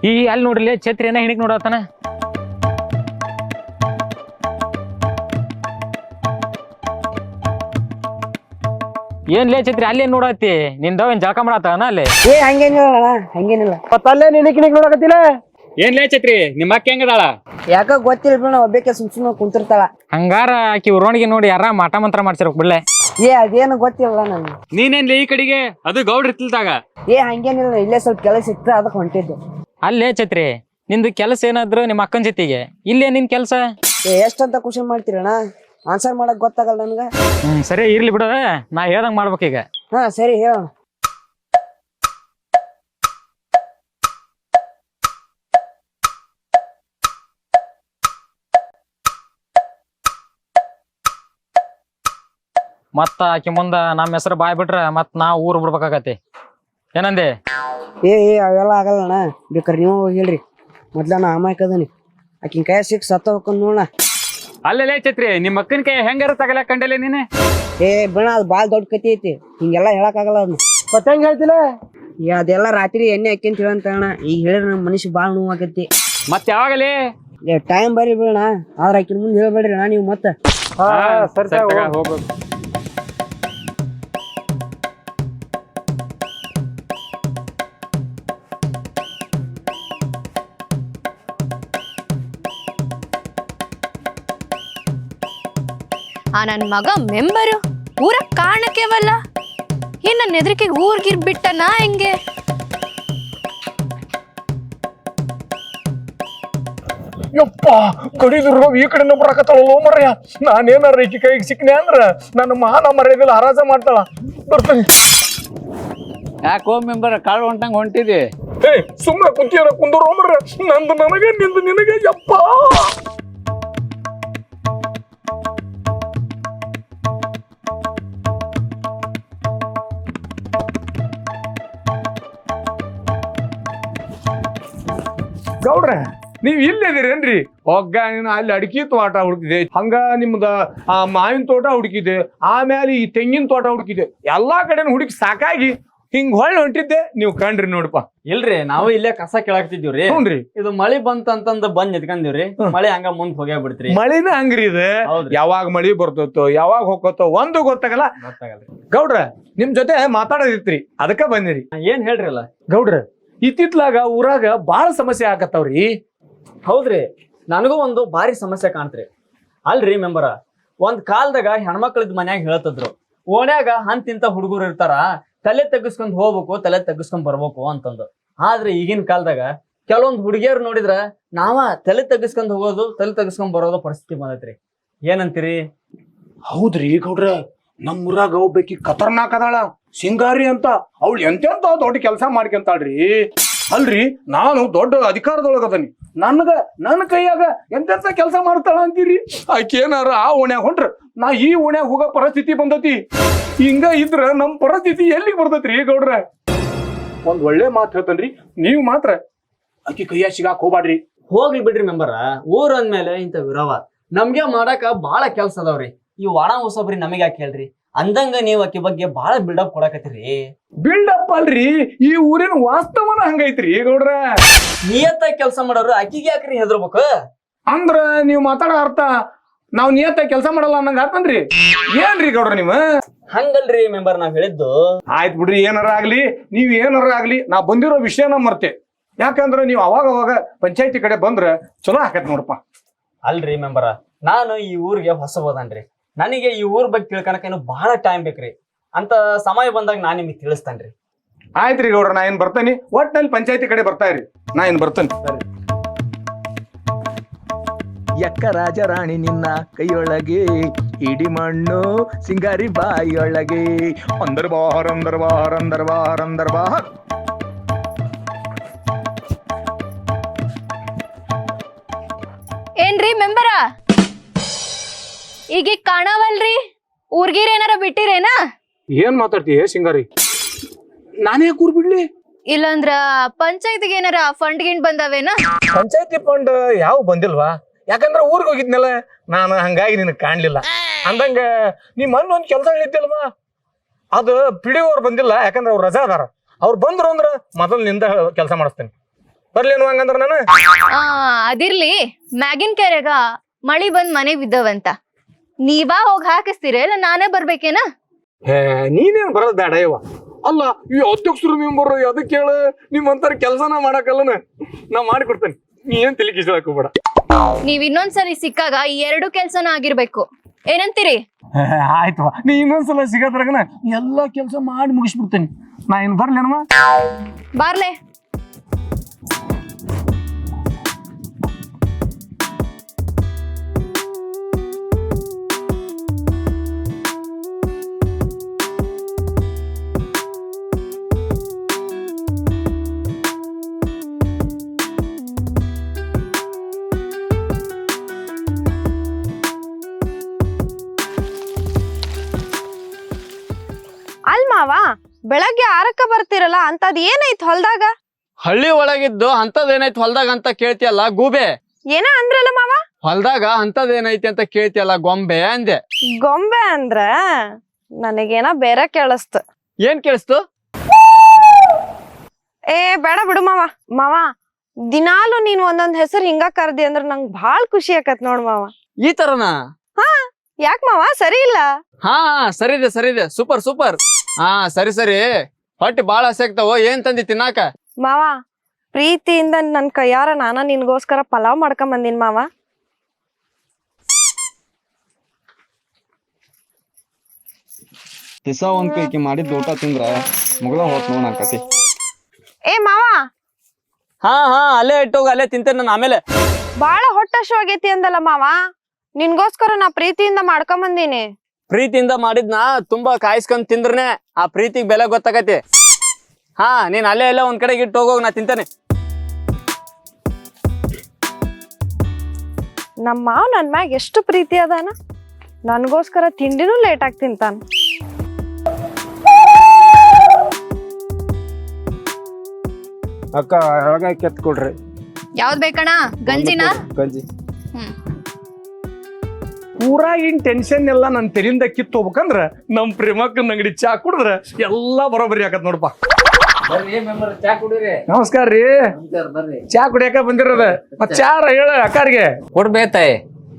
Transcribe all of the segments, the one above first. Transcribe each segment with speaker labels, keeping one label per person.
Speaker 1: ಈ ಅಲ್ಲಿ ನೋಡ್ರಿ ಛತ್ರಿ ಏನ ಹಿಣಿಕ್ ನೋಡತಾನ. ಏನ್ಲೇ ಛತ್ರಿ ಅಲ್ಲೇನ್ ನೋಡತ್ತಿ? ನಿಂದವೇನ್ ಜಳಕ ಮಾಡತ್ತಾನ ಅಲ್ಲೇ?
Speaker 2: ಹಂಗೇನಿಲ್ಲ ಹಂಗೇನಿಲ್ಲ.
Speaker 3: ಅಲ್ಲೇ ನಿನಕ್ ನೋಡಕತ್ತಿಲ್ಲ.
Speaker 1: ಏನ್ಲೇ ಛತ್ರಿ ನಿಮ್ಮ ಅಕ್ಕ ಹೆಂಗದಾಳ?
Speaker 2: ಯಾಕ ಗೊತ್ತಿಲ್ಲ ಬಿಡ, ಒಬ್ಬಕ್ಕೆ ಸುಮ್ ಕುಂತಿರ್ತಾಳ.
Speaker 1: ಹಂಗಾರ ಆಕಿ ಉರೋಣಿಗೆ ನೋಡಿ ಯಾರ ಮಾಟ ಮಂತ್ರ ಮಾಡ್ಸಿರ್ಬೇಕು ಬಿಡ್ಲೆ.
Speaker 2: ಅದೇನು ಗೊತ್ತಿಲ್ಲ ನನ್ಗೆ.
Speaker 1: ನೀನೇನ್ಲಿ ಈ ಕಡೆಗೆ? ಅದು ಗೌಡ್ರ ಇರ್ತಿಲ್ದಾಗ.
Speaker 2: ಹಂಗೇನಿಲ್ಲ, ಇಲ್ಲೇ ಸ್ವಲ್ಪ ಕೆಲಸ ಇತ್ತು ಅದಕ್ಕೆ ಹೊಂಟಿದ್ದು.
Speaker 1: ಅಲ್ಲೇ ಛತ್ರಿ ನಿಂದು ಕೆಲಸ ಏನಾದ್ರು ನಿಮ್ಮ ಅಕ್ಕನ ಜೊತೆಗೆ, ಇಲ್ಲೇ ನಿನ್ ಕೆಲಸ?
Speaker 2: ಎಷ್ಟಂತ ಕ್ವಶನ್ ಮಾಡ್ತೀರಣ್ಣ? ಆನ್ಸರ್ ಮಾಡಕ್ ಗೊತ್ತಾಗಲ್ಲ ನನ್ಗ.
Speaker 1: ಸರಿ ಇರ್ಲಿ ಬಿಡ, ನಾ ಹೇಳ್ದಂಗ್ ಮಾಡ್ಬೇಕೀಗ.
Speaker 2: ಹಾ ಸರಿ ಹೇಳೋಣ.
Speaker 1: ಮತ್ತ ಆಕಿ ಮುಂದ ನಮ್ಮ ಹೆಸರು ಬಾಯ್ ಬಿಟ್ರ ಮತ್ ನಾ ಊರ್ ಬಿಡ್ಬೇಕಾಗತ್ತೆ. ಏನಂದೆ?
Speaker 2: ಅವೆಲ್ಲ ಆಗಲ್ಲಣ್ಣ, ಬೇಕಾರೆ ನೀವು ಹೇಳ್ರಿ. ಮೊದ್ಲ ನಾ ಅಮಾಯಕದನಿ, ಆಕಿನ ಕೈ ಸಿಕ್ ಸತ್ತ ಹೋಗ್ಕೊಂಡ್ ನೋಡಣ.
Speaker 1: ಅಲ್ಲೇ ಛತ್ರಿ ನಿಮ್ಮ ಅಕ್ಕನ ಕೈ ಹೆಂಗಾರ ತಗಲ ಕಂಡಲೆ ನೀನೆ?
Speaker 2: ಬಿಣ, ಅದು ಭಾಳ ದೊಡ್ಡ ಕತಿ ಐತಿ, ಹಿಂಗೆಲ್ಲ ಹೇಳಕ್ ಆಗಲ್ಲ ಅದನ್ನ.
Speaker 3: ಮತ್ತೆ ಹೆಂಗ್ ಹೇಳ್ತಿಲ್ಲ?
Speaker 2: ಅದೆಲ್ಲ ರಾತ್ರಿ ಎಣ್ಣೆ ಹಾಕ್ಯಂತ ಹೇಳಂತ ಅಣ್ಣ. ಈಗ ಹೇಳಿದ್ರೆ ನಮ್ಮ ಮನುಷ್ಯ ಭಾಳ ನೋವು ಆಗತ್ತಿ.
Speaker 1: ಮತ್ ಯಾವಾಗಲೇ
Speaker 2: ಟೈಮ್ ಬರ್ರಿ ಬಿಡಣ, ಆದ್ರ ಆಕಿನ ಮುಂದೆ ಹೇಳ್ಬೇಡ್ರಿ ಅಣ್ಣ ನೀವು. ಮತ್ತೆ
Speaker 1: ಹೋಗ್ಬೇಕು.
Speaker 4: ನನ್ ಮಗ ಮೆಂಬರು ಊರ ಕಾರಣಕ್ಕೆವಲ್ಲ, ಏನ್ ನನ್ನ ಎದುರಿಕೆಗೆ ಊರ್ಗಿರ್ ಬಿಟ್ಟನಾ ಹೆಂಗೆ?
Speaker 3: ಯಪ್ಪ ಕಡಿದ್ರು ಈ ಕಡೆನೂ ಬರಾಕತ್ತಾಳ ಮರ್ಯ. ನಾನೇನಾರ ಈಕಿ ಕೈಗೆ ಸಿಕ್ನೆ ಅಂದ್ರ ನನ್ನ ಮಾನ ಮರ್ಯಾದಿಲ್ಲ ಹರಾಜ ಮಾಡ್ತಾಳ. ಬರ್ತೀನಿ.
Speaker 5: ಯಾಕೋ ಮೆಂಬರ್ ಕಾಳು ಹೊಂಟಂಗ್ ಹೊಂಟಿದಿ?
Speaker 3: ಸುಮ್ಮನೆ ಕುಂತಿಯರ ಕುಂದರೋ ಮರ್ಯ. ನಂದು ನನಗೆ ನಿಂದು ನಿನಗೆ. ಯಪ್ಪ ಗೌಡ್ರ, ನೀವ್ ಇಲ್ಲಿದ್ದೀರೇನ್ರಿ? ಒಗ್ಗ ನೀನು ಅಲ್ಲಿ ಅಡಿಕೆ ತೋಟ ಹುಡುಕಿದೆ, ಹಂಗ ನಿಮ್ದ ಆ ಮಾವಿನ ತೋಟ ಹುಡುಕಿದೆ, ಆಮೇಲೆ ಈ ತೆಂಗಿನ ತೋಟ ಹುಡುಕಿದೆ, ಎಲ್ಲಾ ಕಡೆನೂ ಹುಡುಕಿ ಸಾಕಾಗಿ ಹಿಂಗ್ ಹೊಳ್ಳಿ ಹೊಂಟಿದ್ದೆ. ನೀವು ಕಂಡ್ರಿ ನೋಡಪ್ಪ.
Speaker 5: ಇಲ್ರಿ, ನಾವು ಇಲ್ಲೇ ಕಸ ಕೇಳಾಕ್ತಿದ್ವಿ.
Speaker 3: ಹ್ಞೂನ್ರಿ.
Speaker 5: ಇದು ಮಳಿ ಬಂತಂತಂದ ಬಂದ್ ನಿತ್ಕೊಂಡಿವ್ರಿ. ಮಳಿ ಹಂಗ ಮುಂದ್ ಹೋಗ್ಯಾ ಬಿಡ್ತ್ರಿ.
Speaker 3: ಮಳಿನ ಹಂಗ್ರಿ ಇದೆ. ಯಾವಾಗ ಮಳಿ ಬರ್ತೈತೋ ಯಾವಾಗ ಹೋಗತ್ತೋ ಒಂದು ಗೊತ್ತಾಗಲ್ಲ. ಗೌಡ್ರ, ನಿಮ್ ಜೊತೆ ಮಾತಾಡೋದಿತ್ರಿ, ಅದಕ್ಕ ಬಂದಿರಿ.
Speaker 5: ಏನ್ ಹೇಳ್ರಿ ಅಲ್ಲ
Speaker 3: ಗೌಡ್ರ, ಇತ್ತಿತ್ಲಾಗ ಊರಾಗ ಬಾಳ ಸಮಸ್ಯೆ ಆಗತ್ತವ್ರಿ.
Speaker 5: ಹೌದ್ರಿ, ನನಗೂ ಒಂದು ಭಾರಿ ಸಮಸ್ಯೆ ಕಾಣ್ತ್ರಿ. ಅಲ್ರಿ ಮೆಂಬರ, ಒಂದ್ ಕಾಲದಾಗ ಹೆಣ್ಮಕ್ಳದ್ ಮನ್ಯಾಗ ಹೇಳ್ತಿದ್ರು, ಓಣ್ಯಾಗ ಹಂತಿಂತ ಹುಡುಗರು ಇರ್ತಾರ, ತಲೆ ತಗ್ಗಿಸ್ಕೊಂಡ್ ಹೋಗ್ಬೇಕು, ತಲೆ ತಗ್ಗಿಸ್ಕೊಂಡ್ ಬರ್ಬೇಕು ಅಂತಂದು. ಆದ್ರೆ ಈಗಿನ ಕಾಲದಾಗ ಕೆಲವೊಂದ್ ಹುಡುಗಿಯರು ನೋಡಿದ್ರ ನಾವ ತಲೆ ತಗ್ಗಿಸ್ಕೊಂಡ್ ಹೋಗೋದು, ತಲೆ ತಗ್ಗಿಸ್ಕೊಂಡ್ ಬರೋದು ಪರಿಸ್ಥಿತಿ ಬಂದೈತ್ರಿ. ಏನಂತೀರಿ?
Speaker 3: ಹೌದ್ರಿ ಗೌಡ್ರ, ನಮ್ ಊರಾಗ ಒಬ್ಬಾಕಿ ಖತರ್ನಾಕ್ ಅದಾಳ, ಸಿಂಗಾರಿ ಅಂತ. ಅವಳು ಎಂತೆಂತ ದೊಡ್ಡ ಕೆಲಸ ಮಾಡ್ಕೊಂತಾಳ್ರಿ. ಅಲ್ರಿ, ನಾನು ದೊಡ್ಡ ಅಧಿಕಾರದೊಳಗದನಿ, ನನ್ನ ಕೈಯಾಗ ಎಂತೆಂತ ಕೆಲಸ ಮಾಡ್ತಾಳ ಅಂತೀರಿ? ಆಕೆ ಏನಾರ ಆ ಓಣ್ಯಾಗ ಹೊಂಟ್ರ ನಾ ಈ ಓಣ್ಯಾಗ ಹೋಗೋ ಪರಿಸ್ಥಿತಿ ಬಂದತಿ. ಹಿಂಗ ಇದ್ರ ನಮ್ ಪರಿಸ್ಥಿತಿ ಎಲ್ಲಿಗೆ ಬರ್ತೈತ್ರಿ ಗೌಡ್ರ? ಒಂದ್ ಒಳ್ಳೆ ಮಾತು ಹೇಳ್ತೇನ್ರಿ, ನೀವು ಮಾತ್ರ ಆಕಿ ಕೈಯಾಗ ಸಿಗಾಕ್ ಹೋಗ್ಬಾಡ್ರಿ.
Speaker 5: ಹೋಗ್ಲಿ ಬಿಡ್ರಿ ಮೆಂಬರ, ಊರ್ ಅಂದ್ಮೇಲೆ ಇಂಥ ವಿರವ ನಮ್ಗೆ ಮಾಡಾಕ ಬಾಳ ಕೆಲ್ಸ ಅದಾವ್ರಿ. ಈ ಒಣ ಹೊಸಬ್ರಿ ನಮಗ್ ಯಾಕೆ ಹೇಳ್ರಿ? ಅಂದಂಗ ನೀವ್ ಆಕಿ ಬಗ್ಗೆ ಬಾಳ ಬಿಲ್ಡಪ್ ಕೊಡಕತ್ತೀರಿ.
Speaker 3: ಬಿಲ್ಡಪ್ ಅಲ್ರಿ, ಈ ಊರಿನ ವಾಸ್ತವನ ಹಂಗೈತ್ರಿ ಗೌಡ್ರ.
Speaker 5: ನಿಯತ್ತಾಗಿ ಕೆಲಸ ಮಾಡೋರು ಆಕಿಗೆ ಯಾಕ್ರಿ ಹೆದರ್ಬೇಕು?
Speaker 3: ಅಂದ್ರ ನೀವ್ ಮಾತಾಡೋ ಅರ್ಥ ನಾವ್ ನಿಯತ್ತಾಗಿ ಕೆಲಸ ಮಾಡಲ್ಲ ಅನ್ನಂಗ ಆತನ್ರಿ. ಏನ್ರಿ ಗೌಡ್ರ ನೀವ್?
Speaker 5: ಹಂಗಲ್ರಿ ಮೆಂಬರ್, ನಾವ್ ಹೇಳಿದ್ದು.
Speaker 3: ಆಯ್ತು ಬಿಡ್ರಿ, ಏನಾರ ಆಗ್ಲಿ, ನೀವ್ ಏನಾರ ಆಗ್ಲಿ, ನಾ ಬಂದಿರೋ ವಿಷಯನ ಮರ್ತೆ. ಯಾಕಂದ್ರ ನೀವ್ ಅವಾಗ ಪಂಚಾಯತಿ ಕಡೆ ಬಂದ್ರ ಚಲೋ ಆಕತ್ ನೋಡಪ್ಪ.
Speaker 5: ಅಲ್ರಿ ಮೆಂಬರ, ನಾನು ಈ ಊರಿಗೆ ಹೊಸಬೋದನ್ರಿ. ನನಗೆ ಈ ಊರ್ ಬಗ್ಗೆ ತಿಳ್ಕೊಳಕ ಇನ್ನು ಬಹಳ ಟೈಮ್ ಬೇಕ್ರಿ. ಅಂತ ಸಮಯ ಬಂದಾಗ ನಾನ್ ನಿಮಗೆ ತಿಳಿಸ್ತೇನ್ರಿ.
Speaker 3: ಆಯ್ತ್ರಿ ಗೌಡ್ರ, ನಾ ಏನ್ ಬರ್ತೇನಿ. ಒಟ್ನಲ್ಲಿ ಪಂಚಾಯತಿ ಕಡೆ ಬರ್ತಾ ಇರಿ, ನಾ ಏನ್ ಬರ್ತೇನೆ.
Speaker 6: ಎಕ್ಕ ರಾಜರಾಣಿ ನಿನ್ನ ಕೈಯೊಳಗೆ, ಇಡಿ ಮಣ್ಣು ಸಿಂಗಾರಿ ಬಾಯಿಯೊಳಗೆ. ಅಂದರ್ ಬಾಹರ್ ಅಂದರ್ ಬಾಹರ್ ಅಂದರ್ ಬಾಹರ್ ಅಂದರ್ ಬಾಹರ್.
Speaker 4: ಏನ್ರಿ ಮೆಂಬರ, ಈಗ ಕಾಣವಲ್ರಿ? ಊರ್ಗೀರ್ ಏನಾರ ಬಿಟ್ಟಿರೇನ?
Speaker 3: ಏನ್ ಮಾತಾಡ್ತೀಯ ಸಿಂಗಾರಿ? ನಾನೇ ಕೂರ್ ಬಿಡ್ಲಿ?
Speaker 4: ಇಲ್ಲಂದ್ರ ಪಂಚಾಯತಿಗೆ ಏನಾರ ಫಂಡ್ ಗಿಂಡ್ ಬಂದವೇನ?
Speaker 3: ಪಂಚಾಯತಿ ಫಂಡ್ ಯಾವ ಬಂದಿಲ್ವಾ? ಯಾಕಂದ್ರ ಊರಿಗೆ ಹೋಗಿದ್ನಲ್ಲ ನಾನು, ಹಂಗಾಗಿ ನಿನಗೆ ಕಾಣ್ಲಿಲ್ಲ. ಅಂದಂಗ ನೀ ಮೊನ್ನೆ ಒಂದ್ ಕೆಲಸ ಹೇಳಿದ್ದಲ್ವಾ, ಅದು ಪಿಡಿಒ ಅವ್ರು ಬಂದಿಲ್ಲ. ಯಾಕಂದ್ರೆ ಅವ್ರು ರಜಾ ಅದಾರ. ಅವ್ರು ಬಂದ್ರು ಅಂದ್ರ ಮೊದಲು ನಿಂದ ಕೆಲಸ ಮಾಡಿಸ್ತೇನೆ. ಬರ್ಲೇನು ಹಂಗಂದ್ರ ನಾನು
Speaker 4: ಅದಿರ್ಲಿ ಮ್ಯಾಗಿನ್ ಕೆರೆಗ ಮಳಿ ಬಂದ್ ಮನೆಗ್ ಬಿದ್ದವಂತ ನೀವಾ ಹೋಗಿ ಹಾಕಿಸ್ತೀರ ಇಲ್ಲ ನಾನೇ ಬರ್ಬೇಕೇನ?
Speaker 3: ನೀನೇನ್ ಬರೋದ್ ಬೇಡ ಇವ. ಅಲ್ಲ ಈ ಅಧ್ಯಕ್ಷರು ಮೆಂಬರ್ ಅದಕ್ಕೆ ಹೇಳ ನಿಮ್ಮಂತರ ಕೆಲ್ಸನ ಮಾಡಕಲ್ಲನ ನಾ ಮಾಡಿಕೊಡ್ತೇನೆ. ನೀ ಏನ್ ತಲೆ ಕಿಸ್ಕೊಳಕ್ ಹೋಗ್ಬೇಡ.
Speaker 4: ನೀವ್ ಇನ್ನೊಂದ್ಸರಿ ಸಿಕ್ಕಾಗ ಈ 2 ಕೆಲ್ಸನ ಆಗಿರ್ಬೇಕು. ಏನಂತೀರಿ?
Speaker 3: ಆಯ್ತವ, ನೀ ಇನ್ನೊಂದ್ಸಲ ಸಿಗದ್ರಾಗನ ಎಲ್ಲಾ ಕೆಲ್ಸ ಮಾಡಿ ಮುಗಿಸ್ಬಿಡ್ತೇನೆ. ನಾ ಏನ್ ಬರ್ಲೇನಮ್ಮ?
Speaker 4: ಬಾರ್ಲೆ.
Speaker 7: ಅಲ್ಮಾವ ಬೆಳಗ್ಗೆ 6ಕ್ಕ ಬರ್ತಿರಲ್ಲ ಅಂತದ್ ಏನೈತ್ ಹೊಲ್ದಾಗ?
Speaker 5: ಹಳ್ಳಿ ಒಳಗಿದ್ದು ಅಂತದೇನೈತಿ ಹೊಲ್ದಾಗ ಅಂತ ಕೇಳ್ತಿಯಲ್ಲ ಗೂಬೆ?
Speaker 7: ಏನ ಅಂದ್ರಲ್ಲ ಮಾವ?
Speaker 5: ಹೊಲ್ದಾಗ ಅಂತದೇನೈತಿ ಅಂತ ಕೇಳ್ತಿಯಲ್ಲ ಗೊಂಬೆ ಅಂದೆ.
Speaker 7: ಗೊಂಬೆ ಅಂದ್ರ ನನಗೇನ ಬೇರೆ ಕೇಳಿಸ್ತು.
Speaker 5: ಏನ್ ಕೇಳಿಸ್ತು?
Speaker 7: ಏ ಬೇಡ ಬಿಡು ಮಾವ. ಮಾವ ದಿನಾಲು ನೀನ್ ಒಂದೊಂದ್ ಹೆಸರು ಹಿಂಗ ಕರ್ದಿ ಅಂದ್ರ ನಂಗ್ ಬಾಳ್ ಖುಷಿ ಆಕತ್ ನೋಡ್ ಮಾವ.
Speaker 5: ಈ ತರನಾ?
Speaker 7: ಹಾ ಯಾಕ್ ಮಾವ ಸರಿ ಇಲ್ಲ?
Speaker 5: ಹಾ ಸರಿದೆ ಸೂಪರ್. ಹಾ ಸರಿ ಹೊಟ್ಟೆ ಬಾಳ ಹಸಿ ಆಗ್ತಾವ. ಏನ್ ತಂದಿ ತಿನ್ನಾಕ?
Speaker 7: ಮಾವ ಪ್ರೀತಿಯಿಂದ ನನ್ ಕೈಯಾರ ನಾನ ನಿನ್ಗೋಸ್ಕರ ಪಲಾವ್ ಮಾಡ್ಕೊಂಡ್ ಬಂದಿನ್ ಮಾವ.
Speaker 5: ದಿಸ ಒಂದ್ ಕೈಕಿ ಮಾಡಿದ್ ಊಟ ತಿಂದ್ರ ಮುಗ್ದ ಹೋತ್ ನೋಡ್ ನಾಕತಿ.
Speaker 7: ಏ ಮಾವ
Speaker 5: ಹಾ ಅಲ್ಲೇ ಇಟ್ಟೋಗ, ಅಲ್ಲೇ ತಿಂತೇನೆ ನಾನು ಆಮೇಲೆ.
Speaker 7: ಬಾಳ ಹೊಟ್ಟಶು ಆಗೈತಿ ಅಂದಲ್ಲ ಮಾವ, ನಿನ್ಗೋಸ್ಕರ ನಾ ಪ್ರೀತಿಯಿಂದ ಮಾಡ್ಕೊಂಡ್ ಬಂದೀನಿ.
Speaker 5: ಪ್ರೀತಿಯಿಂದ ಮಾಡಿದ್ನ ತುಂಬಾ ಕಾಯಿಸ್ಕೊಂಡ್ ತಿಂದ್ರನೆ ಆ ಪ್ರೀತಿಗ್ ಬೆಲೆ ಗೊತ್ತಾಗತಿ. ಹಾ ನೀನ್ ಅಲ್ಲೇ ಎಲ್ಲ ಒಂದ್ ಕಡೆಗೆ ಇಟ್ಟು ಹೋಗೋಗ್, ನಾ ತಿಂತೇನೆ.
Speaker 7: ನಮ್ಮ ಮಾವ ನನ್ ಮ್ಯಾಗ ಎಷ್ಟು ಪ್ರೀತಿ ಅದಾನ, ನನ್ಗೋಸ್ಕರ ತಿಂಡಿನೂ ಲೇಟ್ ಆಗಿ ತಿಂತಾನ.
Speaker 3: ಅಕ್ಕ ಒಳಗ ಕೆತ್ ಕೊಡ್ರಿ.
Speaker 4: ಯಾವ್ದ್ ಬೇಕಣ್ಣ? ಗಂಜಿನ?
Speaker 3: ಗಂಜಿ.
Speaker 4: ಹ್ಮ್.
Speaker 3: ಪೂರಾ ಇನ್ ಟೆನ್ಷನ್ ಎಲ್ಲ ನನ್ ತೆರಿಂದ ಕಿತ್ತು ಹೋಗ್ಬೇಕಂದ್ರ ನಮ್ ಪ್ರೇಮಕ್ಕನ ಅಂಗಡಿ ಚಾ ಕುಡಿದ್ರ ಎಲ್ಲಾ ಬರೋಬರಿ ಆಗತ್ ನೋಡಪ್ಪ. ನಮಸ್ಕಾರ ರೀ. ಚಾ ಕುಡಿಯಾಕ ಬಂದಿರೋದ. ಮತ್ ಚಾರ ಹೇಳ ಅಕ್ಕಾರಿಗೆ
Speaker 1: ಕೊಡ್ಬೇತಾಯಿ.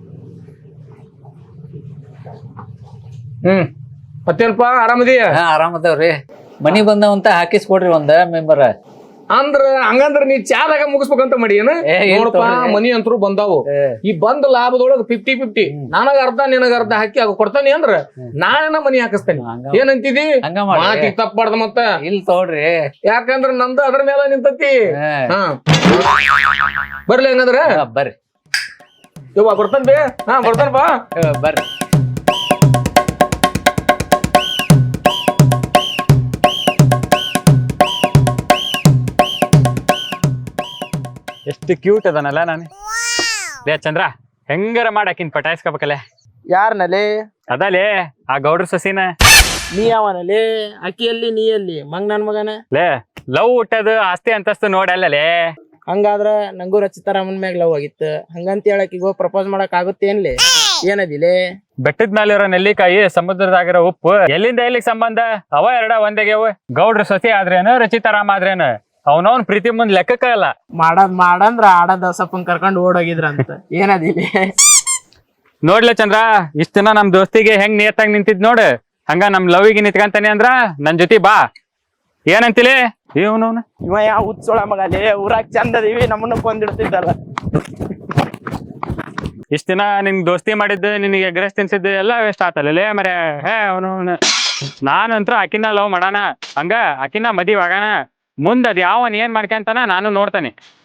Speaker 3: ಮತ್ತೇನಪ್ಪ ಆರಾಮದೀಯ?
Speaker 1: ಆರಾಮದವ್ರಿ. ಮನಿ ಬಂದವಂತ ಹಾಕಿಸ್ಕೊಡ್ರಿ ಒಂದ ಮೆಂಬರ್.
Speaker 3: ಅಂದ್ರ ಹಂಗಂದ್ರ ನೀ ಚಾದಾಗ ಮುಗಿಸ್ಬೇಕಂತ ಮಾಡಿ ಏನ? ನೋಡಪ್ಪ ಮನಿ ಅಂತರು ಬಂದಾವು. ಈ ಬಂದ ಲಾಭದೊಳಗ 50-50 ನನಗ ಅರ್ಧ ನಿನಗ ಅರ್ಧ ಹಾಕಿ ಆಗ ಕೊಡ್ತಾನಿ ಅಂದ್ರ ನಾನೇನ ಮನಿ ಹಾಕಿಸ್ತೇನೆ. ಏನಂತಿದಿ? ಮಾತಿ ತಪ್ಪಾಡ್ದ ಮತ್ತ
Speaker 1: ಇಲ್ ತೋಡ್ರಿ.
Speaker 3: ಯಾಕಂದ್ರ ನಂದು ಅದ್ರ ಮೇಲೆ ನಿಂತತಿ. ಹಾ ಬರ್ಲಿ ಹಂಗಂದ್ರ
Speaker 1: ಬರ್ರಿ.
Speaker 3: ಯವ್ವ ಬರ್ತಾನ ಬೇ. ಹಾ ಬರ್ತಾನಪ್ಪ.
Speaker 1: ಬರ್ರಿ. ಎಷ್ಟು ಕ್ಯೂಟ್ ಅದನಲ್ಲ ನಾನು. ಲೇ ಚಂದ್ರ, ಹೆಂಗಾರ ಮಾಡಾಕಿನ್ ಪಟಾಯಿಸ್ಕೋಬೇಕಲ್ಲ.
Speaker 8: ಯಾರನಲ್ಲಿ?
Speaker 1: ಅದಲೇ ಆ ಗೌಡ್ರ ಸಸಿನ.
Speaker 8: ನೀ ಯಾವನಲ್ಲಿ? ಅಕ್ಕಿಯಲ್ಲಿ ನೀಯಲ್ಲಿ ಮಂಗ್ ನನ್ ಮಗನ.
Speaker 1: ಲೇ ಲವ್ ಹುಟ್ಟದು ಆಸ್ತಿ ಅಂತಸ್ತು ನೋಡಲ್ಲೇ.
Speaker 8: ಹಂಗಾದ್ರ ನಂಗೂ ರಚಿತಾರಾಮನ್ ಮ್ಯಾಗ ಲವ್ ಆಗಿತ್ತು. ಹಂಗಂತ ಹೇಳಕ್ ಈಗ ಪ್ರಪೋಸ್ ಮಾಡಕ್ ಆಗುತ್ತೇನ್ಲಿ? ಏನದಿಲೆ?
Speaker 1: ಬೆಟ್ಟದ ಮೇಲೆ ಇರೋ ನೆಲ್ಲಿಕಾಯಿ, ಸಮುದ್ರದಾಗಿರೋ ಉಪ್ಪು, ಎಲ್ಲಿಂದ ಎಲ್ಲಿಗೆ ಸಂಬಂಧ? ಅವ ಎರಡ ಒಂದೇಗೆವು. ಗೌಡ್ರ ಸಸಿ ಆದ್ರೇನು, ರಚಿತಾರಾಮ ಆದ್ರೇನು, ಅವನವನ್ ಪ್ರೀತಿ ಮುಂದ್ ಲೆಕ್ಕಕ್ಕ ಇಲ್ಲ.
Speaker 8: ಮಾಡಂದ್ರ ಆಡದ ಸಪ್ಪನ್ ಕರ್ಕೊಂಡ್ ಓಡೋಗಿದ್ರಂತ. ಏನದಿಲೆ?
Speaker 1: ನೋಡ್ಲೆ ಚಂದ್ರ, ಇಷ್ಟ ದಿನ ನಮ್ ದೋಸ್ತಿಗೆ ಹೆಂಗ್ ನಿಯತ್ತಾಗಿ ನಿಂತಿದ್ ನೋಡ್, ಹಂಗ ನಮ್ ಲವ್ಗೆ ನಿಂತ್ಕಂತಾನೆ ಅಂದ್ರ ನನ್ ಜೊತೆ ಬಾ. ಏನಂತಿಲಿ? ಇವನವನ
Speaker 8: ಇವ ಯಾವ ಉತ್ಸೋಳ ಮಗಲೇ, ಊರಾಗ ಚಂದ ಅದೀವಿ, ನಮ್ಮನ್ನ ಕೊಂದಿಡ್ತಿದ್ದಲ್ಲ.
Speaker 1: ಇಷ್ಟ ದಿನ ನಿನ್ ದೋಸ್ತಿ ಮಾಡಿದ್ದು, ನಿನಗೆ ಎಗ್ರೆಸ್ ತಿನ್ಸಿದ್ದು ಎಲ್ಲ ವೇಸ್ಟ್ ಆತಲ್ಲೇ ಮರೆ. ಅವನು ನಾನಂತ್ರ ಆಕಿನ ಲವ್ ಮಾಡಾನ, ಹಂಗ ಆಕಿನ ಮದಿವ್ ಆಗಾನ. ಮುಂದ್ ಅದ್ ಯಾವನ್ ಏನ್ ಮಾಡ್ಕೊಂತಾನ ನಾನು ನೋಡ್ತಾನೆ.